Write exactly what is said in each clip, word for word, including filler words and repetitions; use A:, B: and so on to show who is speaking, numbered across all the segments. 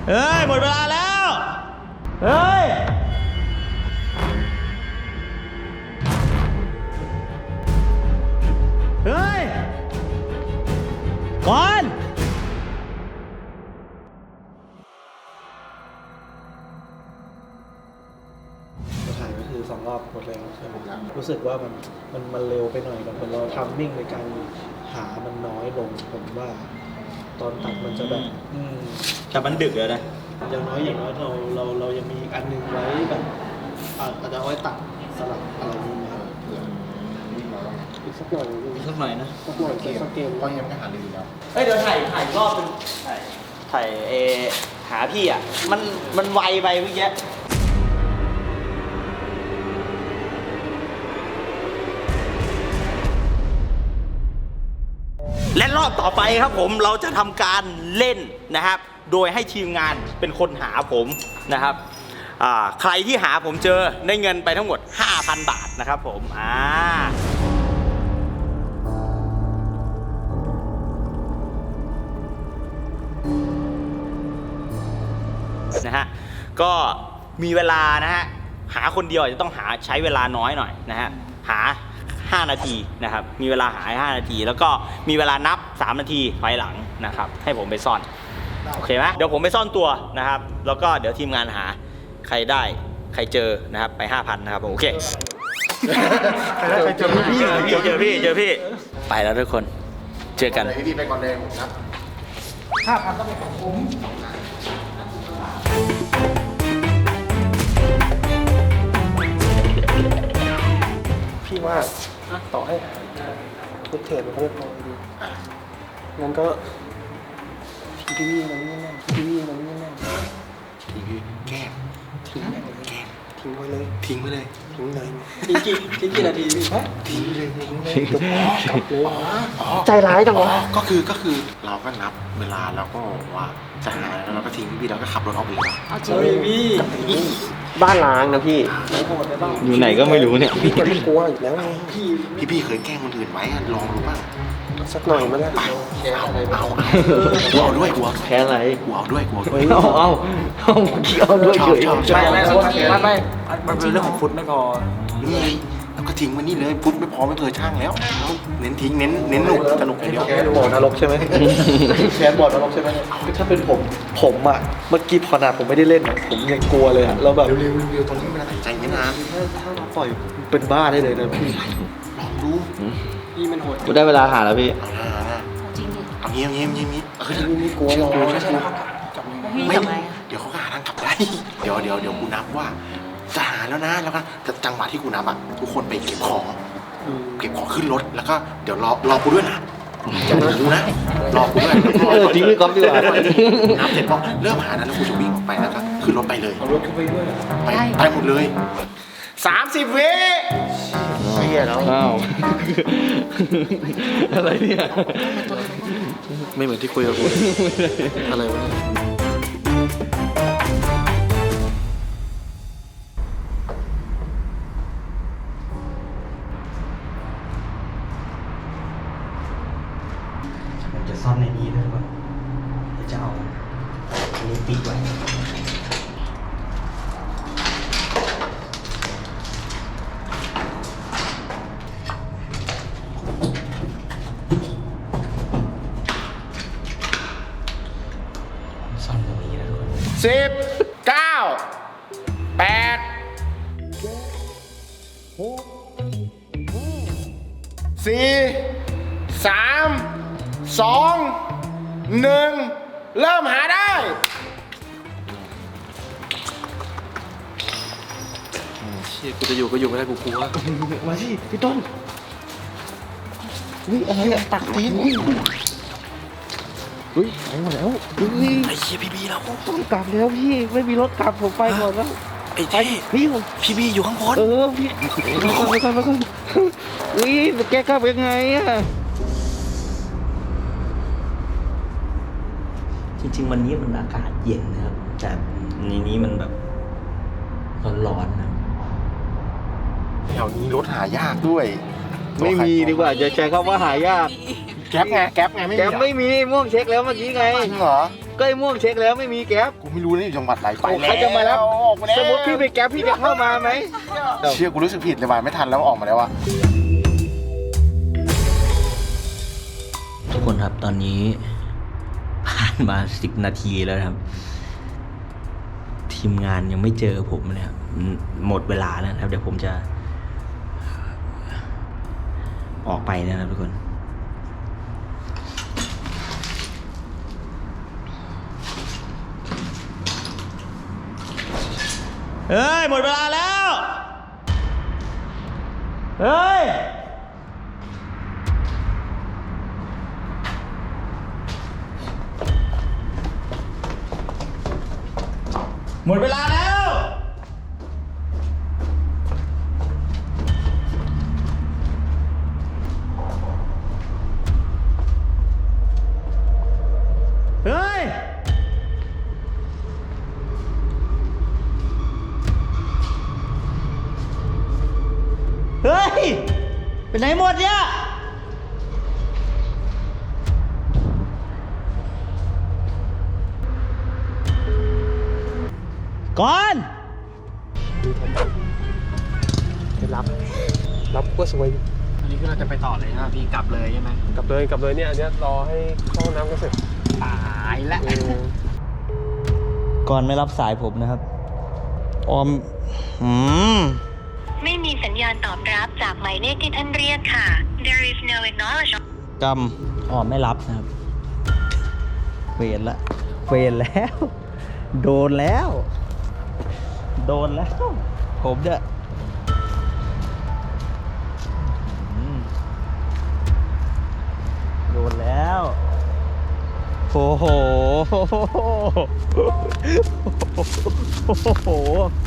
A: เฮ้ยหมดเวลาแล้วเฮ้ยเฮ้ยก่อน
B: ถ่ายก็คือสองรอบหมดแล้วใช่ไหมครับรู้สึกว่ามันมันมันเร็วไปหน่อยแบบเราทำมิ่งในการหามันน้อยลงผมว่าตอนตัดมันจะแบบอืม
A: แต่มันดึกแล้วนะ
B: อย่างน้อยอย่างน้อยเราเราเรายังมีอันนึงไว้แบบอาจจะเอาไว้ตัดสลับอะไรนี้นะครับอีกสักหน่อย
A: สักหน่อยนะ
B: สักหน่อยสักเกม
C: ก็ยังไม่หาลืมแล้ว
A: เฮ้ยเดี๋ยวถ่ายถ่ายรอบนึงถ่ายถ่ายเอหาพี่อ่ะมันมันไวไปเมื่อกี้และรอบต่อไปครับผมเราจะทำการเล่นนะครับ โดยให้ทีมงานเป็นคนหาผมนะครับอ่าใครที่หาผมเจอได้เงินไปทั้งหมด ห้าพัน บาทนะครับผมอ่านะฮะก็มีเวลานะฮะหาคนเดียวอาจจะต้องหาใช้เวลาน้อยหน่อยนะฮะหาห้านาทีนะครับมีเวลาหาห้านาทีแล้วก็มีเวลานับสามนาทีถอยหลังนะครับให้ผมไปซ่อนโอเคไหมเดี๋ยวผมไปซ่อนตัวนะครับแล้วก็เดี๋ยวทีมงานหาใครได้ใครเจอนะครับไป ห้าพัน นะครับโอเคเจอพี่เจอพี่เจอพี่ไปแล้วทุกคนเจอกัน
C: พี่พี่ไปก่อนเลยผมครับ
B: ห้าพันต้องเป็นของผมพี่ว่าต่อให้ลูกเทรดมันก็ไม่พอดีงั้นก็ทีวีมันไม่แน่ทีวีมันไม่แน่
C: ทีวีแก้ม
B: ทิ้งไปเลย
C: แก้ม
B: ทิ้งไว้เลย
C: ทิ้งไปเลย
B: ทิ้งเลยทิ้งกี่ทิ้งกี่นาทีพี่ฮะ
C: ทิ้งเลยทิ้งเลย
B: กลับเลย
C: อ๋อ
B: ใจร้ายจังวะ
C: ก็คือก็คือเราก็นับเวลาแล้วก็ว่าจะหาแล้วเราก็ทิ้งพี่แล้วก็ขับรถออกไปเลย
B: เอาจริงพี่
D: บ้านล้างนะพี่
A: อยู่ไหนก็ไม่รู้เนี่ย
B: พี่ก็ไม่กลัวอีกแล้วไงพี่
C: พี่พี่เคยแกล้งคนอื่นไว้อะลองดูบ้าง
B: สักหน่อยมั้ยล่ะ
C: เอาเอาเอากูเอาด้วยกูเอา
D: แพ้อะไร
C: กูเอาด้วยกูเอาด้วย
D: เอาเอาเอาเอาด้วยเฉย
C: ชอบชอบ
B: ไม่ไม่ไม่มันเป็นเรื่องของฟุตไม่พอ
C: นี่ไงแล้วก็ทิ้งไว้นี่เลยพุทธไม่พอไม่เคยช่างแล้วเน้นทิ้งเน้นเน้นหนุกสนุกอย่างเดียว
B: แคนบ่อนรกใช่ไหมแคนบ่อนรกใช่ไหมถ้าเป็นผมผมอ่ะเมื่อกี้ขนาดผมไม่ได้เล่นผมยังกลัวเลยอ่ะแล้วแบบ
C: เร็วๆเร็วๆตรงนี้มันตัดใจไม่นาน
B: ถ้าถ้าเราปล่อยเป็นบ้าได้เลยนะพี่
C: ลองดู
B: พี่มันโหด
D: กูได้เวลาหาแล้วพี่
C: เอาหน้าหน้าเอาเงี้ยเงี้ยเงี้ยเงี้ยเออ
B: พี่ไม่กลัวหรอก
C: ใช่ไม่เดี๋ยวเขาก็หาทางกลับได้เดี๋ยวเดี๋ยวเดี๋ยวกูนับว่าจะหาแล้วนะแล้วก็จังหวะที่กูนับอ่ะทุกคนไปเก็บของเก็บของขึ้นรถแล้วก็เดี๋ยวรอรอกูด้วยนะอย่าไปดูนะรอกูด้วย
D: เออทิ้งพี่ก๊อฟดีกว่า
C: นับเสร็จพอเริ่มหาแล้วกูจะวิ่งออกไปแล้วก็ขึ้นรถไปเลย
B: เอารถขึ้นไปด้วย
C: ไปไปหมดเลยสามสิบวิ
D: ไม่เหี้ยแล้วอ้าวอะไรเนี่ย
C: ไม่เหมือนที่คุยกับกูอะไรวะเนี่ย
A: ผมจะซ่อนในนี้ด้วยก่อนเดี๋ยวจะเอาอันนี้ปิดไว้ซ่อนตรงนี้นะทุกคน
C: สิบเก้าแปดสี่สามสองหนึ่งเริ่มหาได้
B: เชี่ยกูจะอยู่ก็อยู่ไม่ได้กูกลัวมาสิพี่ต้นอุ้ยอะไรอะตักตีนอุ้ยอุ้ยไปหมดแล้วอุ้ย
C: ไอ้เชี่ยพี่บีแล้ว
B: ต้องกลับแล้วพี่ไม่มีรถกลับผมไปก่อนแล้ว
C: ไอ้
B: ไป
C: เท่
B: พี่
C: พี่บีอยู่ข้างบน
B: เออพี่ไปก่อนไปก่อนไปก่อนอุ้ยแกกลับยังไงอะ
A: จริงๆวันนี้มันอากาศเย็นนะครับแต่ในนี้มันแบบร้อนๆนะ
C: แถวนี้รถหายากด้วย
D: ไม่มีดีกว่าจะใช้คำว่าหายาก
C: แก๊ปไงแก๊ปไงไม่มี
D: แกไม่มีม่วงเช็คแล้วเมื่อกี้ไง
C: จริงเหรอ
D: ก็ไอ้ม่วงเช็คแล้วไม่มีแก๊ป
C: กูไม่รู้นะอยู่จังหวัดไหนไป
D: โอ้
C: แล้ว
D: ใครจะมารับ
C: ออกมาแล้ว
D: สมมติพี่ไปแก๊ปพี่จะเข้ามาไหม
C: เชื่อกูรู้สึกผิดเลยว่ะไม่ทันแล้วออกมาแล้วอ่ะ
A: ทุกคนครับตอนนี้ผ่านมาสิบนาทีแล้วครับ ทีมงานยังไม่เจอผมเลยครับหมดเวลาแล้วนะครับ เดี๋ยวผมจะ ออกไปนะครับทุกคนเฮ้ยหมดเวลาแล้วเฮ้ยหมดเวลาแล้วเฮ้ยเฮ้ยไปไหนหมดเนี่ยก่อน
E: รับ รับก็สวย
B: อันนี้คือเราจะไปต่อเลยนะพี่กลับเลยใช่ไหม
E: กลับเลยกลับเลยเนี่ยอันเนี้ยรอให้เข้าห้องน้ำก็เสร็จ
B: ตายแล้ว
E: อืม
A: ก่อนไม่รับสายผมนะครับ ออมอืม
F: ไม่มีสัญญาณตอบรับจากหมายเลขที่ท่านเรียกค่ะ There is no acknowledgement
A: กำออมไม่รับนะครับ เวรละ เวรแล้ว โดนแล้ว โดนแล้ว ผมเนี่ยอืมโดนแล้ว โอ้โห โอ้โห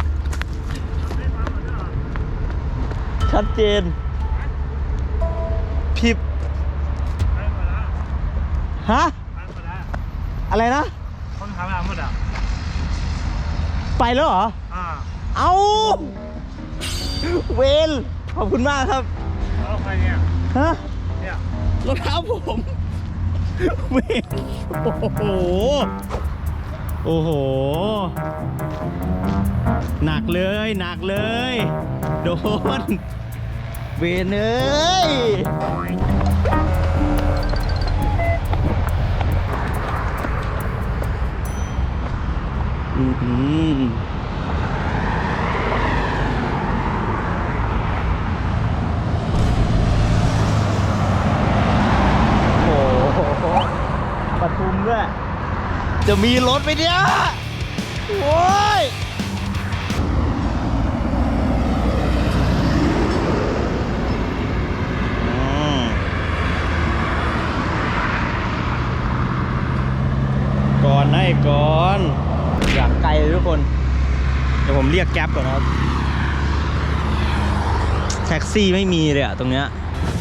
A: ชัดเจนพิบฮะ อะไรนะ
B: คนทำอะไรหมดอ่ะ
A: ไปแล้วเหรอ
B: อ่า
A: เอาเวลขอบคุณมากครับ
B: แล้วใครเนี่ย
A: ฮะ
B: เนี่ย
A: รองเท้าผม เวลโอ้โห โอ้โห หนักเลย หนักเลย โดน เวรเอ้ย อือหือโอ้โหปทุมด้วย จะมีรถไหมเนี่ย โอ้ย อืมก่อนให้ก่อน อยากไกลเลยทุกคน เดี๋ยวผมเรียกแก๊ปก่อนนะครับ แท็กซี่ไม่มีเลยอะตรงเนี้ย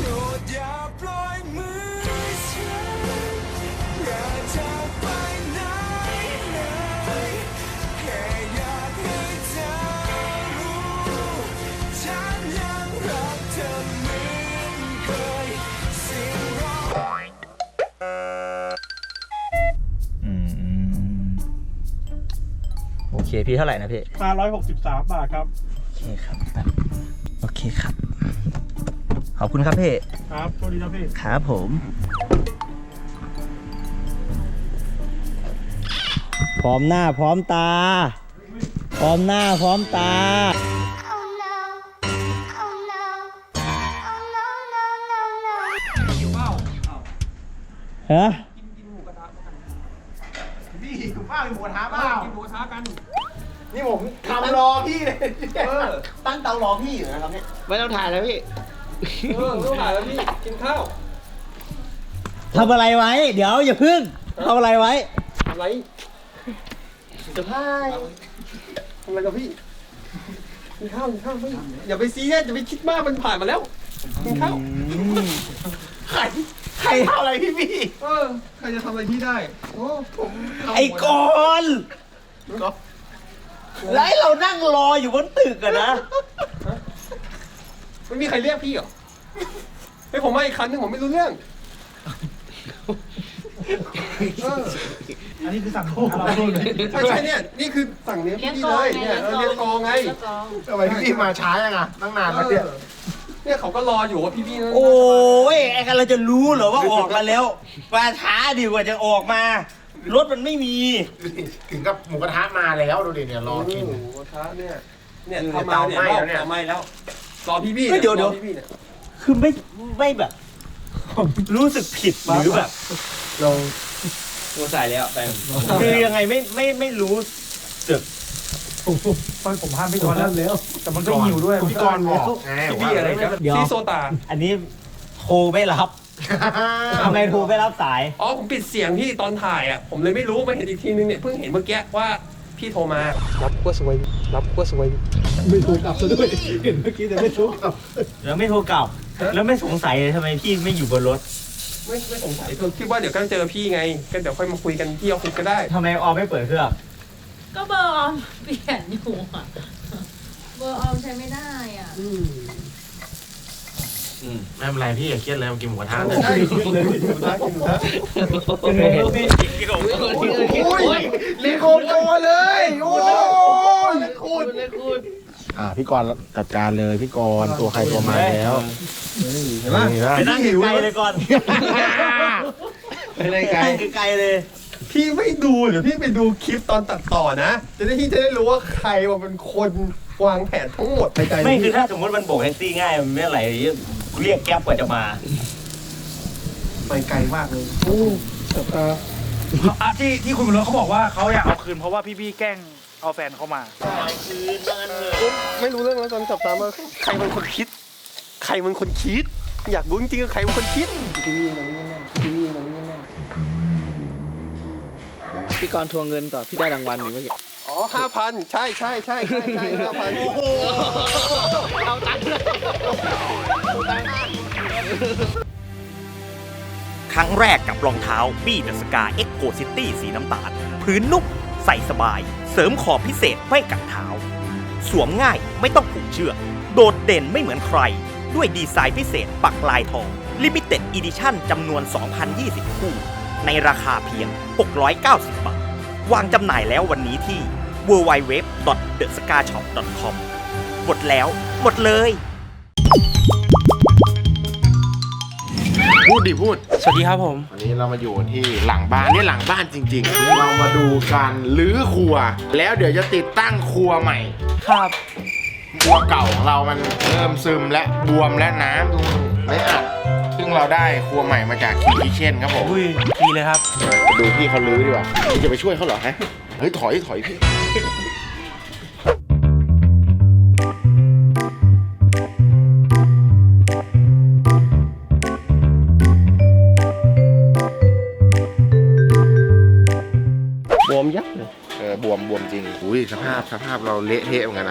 A: อืมโอเค พี่เท่าไหร่นะพี่
B: ห้าร้อยหกสิบสามบาทครับ
A: โอเคครับ โอเคครับ ขอบคุณครับพี่
B: ครับโชคดีนะพี่
A: ครับผม พร้อมหน้าพร้อมตา พร้อมหน้าพร้อมตา
F: Oh no Oh no Oh no no no no
A: ฮะ
B: พี่คุณป้าเป็นหมูกระทะเปล่า
E: กินหมูกระทะกัน
C: นี่ผมทำรอพี่เลยตั้งเตารอพี่อยู่นะครับเนี่ย
D: ไม่ต้องถ่ายแล้วพี่
E: เออไม่ต้องถ่ายแล้วพี่ กินข้าว
A: ทำอะไรไว้ เดี๋ยวอย่าพึ่งทำอะไรไว้
E: อะไร
C: จะพาย
E: ทำอะไรกับพี่ กินข้าวกินข้าวพี่อย่าไปซีเรียสอย่าไปคิดมากมันผ่านมาแล้ว กินข้าว
C: ใครใครทำอะไรพี่พี่
E: เออ ใครจะทำอะไรพี่ได้ โอ้ผมทำหมด
A: ไอ้กอนแล้วให้เรานั่งรออยู่บนตึกอะนะ
E: ไม่มีใครเรียกพี่เหรอให้ผมมาอีกคันหนึงผมไม่รู้เรื่อง เออ
B: อันนี้คือสั่งของเราเลย
E: ใช่ใช่เนี่ยนี่คือสั่งเลี้ยงพี่เลยเนี่ยเออเลี้ยงกองไง
C: ทำไมพี่มาช้ายังอ่ะตั้งนานแล้วเนี่ย
E: เนี่ยเขาก็รออยู่ว่าพี่ๆนั่น
A: โอ้ยไอ้กันเราจะรู้เหรอว่าออกมาแล้วมาช้าดีกว่าจะออกมา รถมันไม่มี
C: ถึงกับหมูกระทะมาแล้วดูดิเนี่ยรอกิน
E: หมูกระทะเนี่ยเนี่ย
C: อยู่ใน
E: เข้ามาเนี่ย
C: เตาไหม้แล้วเนี่ย
E: เตาไหม้แล้วรอพี่ๆ
A: เฮ้ยเดี๋ยวเดี๋ยว
E: รอพี่ๆเนี่ย
A: คือไม่ไม่แบบ รู้สึกผิดหรือแบบ
B: เรา
A: ตัวใส่แล้วแฟนคือยังไงไม่ไม่ไม่รู้สึก
B: ตอนผมห้ามพี่กรณ์แล้วแล้ว แต่มันก็หิวด้วย
C: พี่กรณ์บอกไง
E: พี่ๆอะไรกัน
A: เดี๋ยว
E: ซีโซตา
A: อันนี้โทรไม่รับทำไงโทรไม่รับสาย
E: อ๋อผมปิดเสียงพี่ตอนถ่ายอ่ะผมเลยไม่รู้มาเห็นอีกทีนึงเนี่ยเพิ่งเห็นเมื่อกี้ว่าพี่โทรมารับก็สวยรับก็สวย
B: ไม่ถูกกลับซะด้วย เห็นเมื่อกี้แต่ไม่ถูกกลับ
A: แล้วไม่โทรกลับ แล้วไม่สงสัยเลยทำไมพี่ไม่อยู่บนรถ
E: ไม่ไม่สงสัยคือคิดว่าเดี๋ยวก็เจอพี่ไงก็เดี๋ยวค่อยมาคุยกันที่ออฟฟิศก็ได้
A: ทำไมออมไม่เปิดเครื่อง
G: ก็เบอร์ออมเปลี่ยนอยู่อะเบอร์ออมใช้ไม่ได้อ่ะ
C: อืมไม่เป็นไรพี่อย่าเครียดเลยมากินหมูกระทะ
E: ใช่กินเลยกินหมูกระทะกินหมูกระทะ
C: โอ้ยเลี้ยงโคตรเลยโอ้ยคุณอ่าพี่กรณ์จัดการเลยพี่กรณ์ตัวใครตัวมาแล้วเห็นไหม
A: ไปนั่งไกลเลยก่อน
C: ไม่ได้ไกล
A: นั่งไกลเลย
E: พี่ไม่ดูเดี๋ยวพี่ไปดูคลิปตอนตัดต่อนะจะได้พี่จะได้รู้ว่าใครว่าเป็นคนวางแผนทั้งหมดในใจ
A: ไม่คือถ้าสมมติมันโบกแท็กซี่ง่ายมันไม่อะไรเรียกแก๊ปกว่าจะมา
B: ไปไกลมากเลยโอ้แต่ตา
H: ที่ที่คุณบนรถเขาบอกว่าเขาอยากเอาคืนเพราะว่าพี่ๆแกล้งเอาแฟนเขามา
E: ไม่รู้เรื่องแล้วตอนจับตามว่าใครเป็นคนคิด ใครเป็นคนคิด อยากรู้จริงๆว่าใครเป็นคนคิด
D: พี่กรณ์ทวงเงินต่อพี่ได้รางวัลหรือเมื่อกี้
E: อ๋อห้าพันใช่ใช่ใช่ใช่ใช่ห้าพัน
A: ครั้งแรกกับรองเท้าบี้เดอะสกาเอ็กโกซิตี้สีน้ำตาล พื้นนุ่มใส่สบาย เสริมขอบพิเศษไม่กัดเท้า สวมง่ายไม่ต้องผูกเชือก โดดเด่นไม่เหมือนใคร ด้วยดีไซน์พิเศษปักลายทอง Limited Edition จำนวน สองพันยี่สิบ คู่ ในราคาเพียง หกร้อยเก้าสิบ บาท วางจำหน่ายแล้ววันนี้ที่ ดับเบิลยู ดับเบิลยู ดับเบิลยู ดอท เดอะสกาช็อป ดอท คอม หมดแล้ว หมดเลย
C: พูดดิพูด
H: สวัสดีครับผม
C: วันนี้เรามาอยู่ที่หลังบ้านนี่หลังบ้านจริงๆ เรามาดูการรื้อครัว แล้วเดี๋ยวจะติดตั้งครัวใหม่
H: ครับ
C: ครัวเก่าของเรามันเริ่มซึมและบวมและน้ำดูไม่อัดซึ่งเราได้ครัวใหม่มาจากคีคิเช่นครับผม
H: อุ้ยดีเลยครับ
C: ดูพี่เขารื้อดีกว่าพี่จะไปช่วยเขาเหรอฮะเฮ้ยถอยถอยพี่
E: บวมยับเลย
C: เออบวมบวมจริงอุ้ยสภาพสภาพเราเละเทะเหมือนกันนะ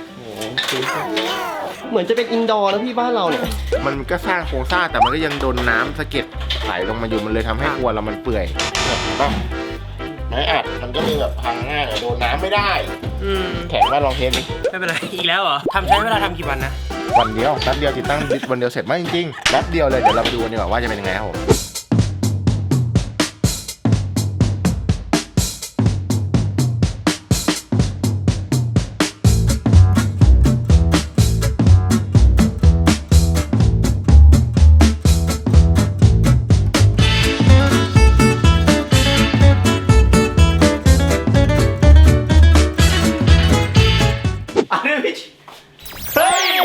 E: เหมือนจะเป็นอินดอร์นะพี่บ้านเราเนี่ย
C: มันก็สร้างโครงสร้างแต่มันก็ยังโดนน้ำสะเก็ดไหลลงมาอยู่มันเลยทำให้ครัวเรามันเปื่อยแบบต้องไม้อัดมันก็เลยแบบพังง่ายโดนน้ำไม่ได้
H: อืม
C: แข็งว่าลองเทสดิ
H: ไม่เป็นไร อีกแล้วเหรอทำใช้เวลาทำกี่วันนะ
C: วันเดียวแป๊บเดียวติดตั้งวันเดียวเสร็จไหมจริงๆแป๊บเดียวเลยเดี๋ยวเราไปดูกันดีกว่าว่าจะเป็นยังไงครับผม
A: เฮ้ย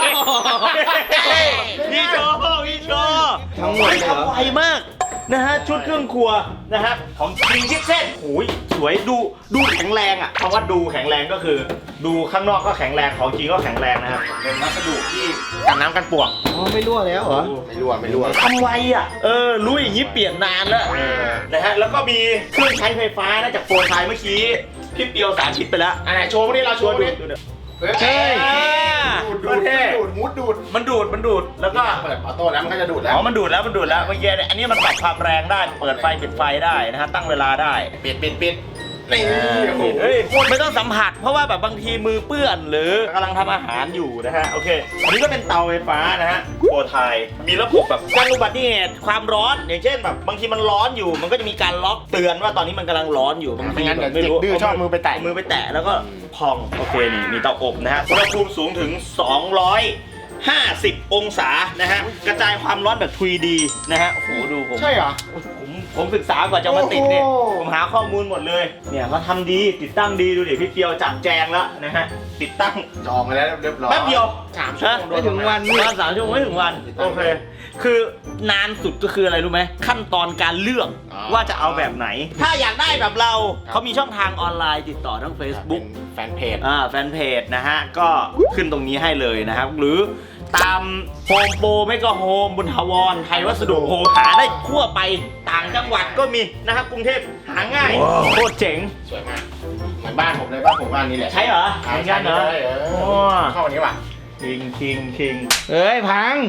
A: พี่โชว์พี่โชว์ทั้งหมดทำไวมากนะฮะชุดเครื่องครัวนะฮะของจริงจิ๊บเส้นโอ้ยสวยดูดูแข็งแรงอ่ะคำว่าดูแข็งแรงก็คือ ดูข้างนอกก็แข็งแรงของจริงก็แข็งแรงนะครับเป็นวัสดุที่กันน้ำกันปวก
B: อ๋อไม่รั่วแล้วเหรอ
C: ไม่รั่วไม่รั่ว
A: ทำไวอ่ะเออรู้อย่างนี้เปลี่ยนนานแล้วนะฮะแล้วก็มีเครื่องใช้ไฟฟ้านะจากโฟนไทยเมื่อกี้พี่เปียวสาธิตไปแล้ว
C: อันไหนโชว์พวกนี้เราโชว์พวกนี้
A: เฮ้ย
C: ดูดดูดดูดมุดดูด
A: มันดูดมันดูดแล้วก็
C: เปิดออโต้แล้วมันก็จะดูดแล้
A: อ๋
C: ว
A: อมันดูดแล้วมันดูดแล้วเมื่อกี้เนี่ยอันนี้มันปรับความแรงได้เปิดไฟปิดไฟได้นะฮะตั้งเวลาได้
C: ปิดปิดปิดนี่โอ้โห
A: เฮ้ยไม่ต้องสัมผัสเพราะว่าแบบบางทีมือเปื้อนหรือกำลังทำอาหารอยู่นะฮะโอเคอันนี้ก็เป็นเตาไฟฟ้านะฮะโคไทยมีระบบแบบการอุบัติเหตุความร้อนอย่างเช่นแบบบางทีมันร้อนอยู่มันก็จะมีการล็อกเตือนว่าตอนนี้มันกำลังร้อนอยู่บางที
C: ไม่งั้น
A: แบ
C: เดี๋ยว
A: บไม่รู้
C: เด็กดื้อชอบมือไปแตะ
A: เามือไปแตะแล้วก็พองโอเคนี่มีเตาอบนะฮะอุณหภูมิสูงถึงสองร้อยห้าสิบองศานะฮะกระจายความร้อนแบบ ทรี ดี นะฮะโอ้โหดูผม
C: ใช่เหรอ
A: ผมผมศึกษากว่าจะมาติดเนี่ย
C: โอ้โห
A: ผมหาข้อมูลหมดเลยเนี่ยเขาทำดีติดตั้งดีดูดิพี่เกียวจัดแจงแล้วนะฮะติดตั้ง
C: จองไปแล้วเรียบร้อย
A: แป๊บเดียว
C: สามชั่วโมง
A: ไม่ถึงวันประมาณสามชั่วโมงไม่ถึงวันโอเคคือนานสุดก็คืออะไรรู้ไหมขั้นตอนการเลือกว่าจะเอาแบบไหน ถ้าอยากได้แบบเราเขามีช่องทางออนไลน์ติดต่อทั้ง Facebook
C: แฟนเพจ
A: อ่าแฟนเพจนะฮะก็ขึ้นตรงนี้ให้เลยนะครับ หรือตามโฮมโปรไม่ก็โฮมบุญทวรไทยวัสดุโฮมหาได้ทั่วไปต่างจังหวัดก็มีนะครับกรุงเทพหาง่ายโคตรเจ๋ง
C: สวยมากเหมือนบ้านผมเลยบ้านผมบ้านนี้แหละ
A: ใช่เหรอ
C: ใช่
A: เหมือนกันเหรอ
C: ใช่เออ
A: โอ้
C: เข้าวันนี้ว่ะ
A: คิงคิงคิง
D: เอ้ย พัง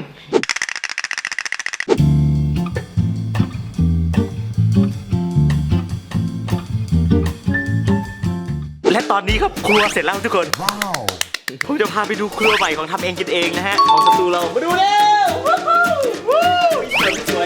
A: และตอนนี้ครับครัวเสร็จแล้วทุกคนว้าวผมจะพาไปดูครัวใหม่ของทำเองกินเองนะฮะของสตูเรามาดูเร็ววู้ฮู้วู้สวยสวย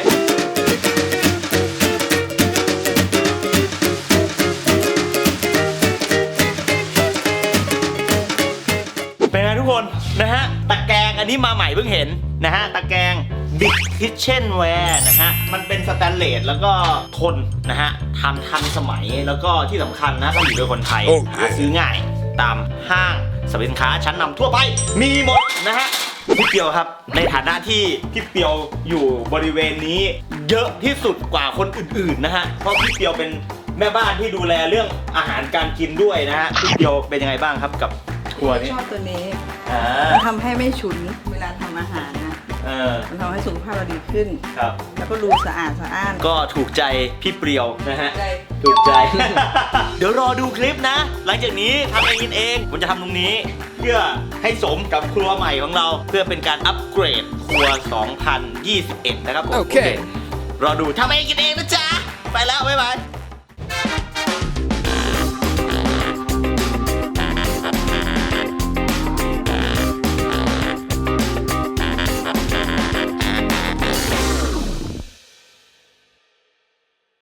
A: เป็นไงทุกคนนะฮะตะแกรงอันนี้มาใหม่เพิ่งเห็นนะฮะตะแกรง Big Kitchenware นะฮะมันเป็นสแตนเลสแล้วก็ทนนะฮะทำทันสมัยแล้วก็ที่สำคัญนะผลิตโดยคนไทยหาซื้อง่ายตามห้างสรรพสินค้าชั้นนำทั่วไปมีหมดนะฮะพี่เปียวครับในฐานะที่พี่เปียวอยู่บริเวณนี้เยอะที่สุดกว่าคนอื่นๆนะฮะเพราะพี่เปียวเป็นแม่บ้านที่ดูแลเรื่องอาหารการกินด้วยนะฮะพี่เปียวเป็นยังไงบ้างครับกับครัวนี้
I: ชอบตัวนี้
A: อ่า
I: มันทำให้ไม่ฉุนเวลาทำอาหารนะ
A: เออ
I: มันทำให้สุขภาพเราดีขึ้น
A: ครับ
I: แล้วก็ดูสะอาดสะอ้าน
A: ก็ถูกใจพี่เปรียวนะฮะ
I: ใจ
A: ถูกใจ เดี๋ยวรอดูคลิปนะ หลังจากนี้ทำเองกินเอง ผมจะทำตรงนี้ เพื่อให้สมกับครัวใหม่ของเรา เพื่อเป็นการอัปเกรดครัว สองพันยี่สิบเอ็ด นะครับผม
D: โอเค
A: รอดูทำเองกินเองนะจ๊ะ ไปแล้ว บ๊ายบาย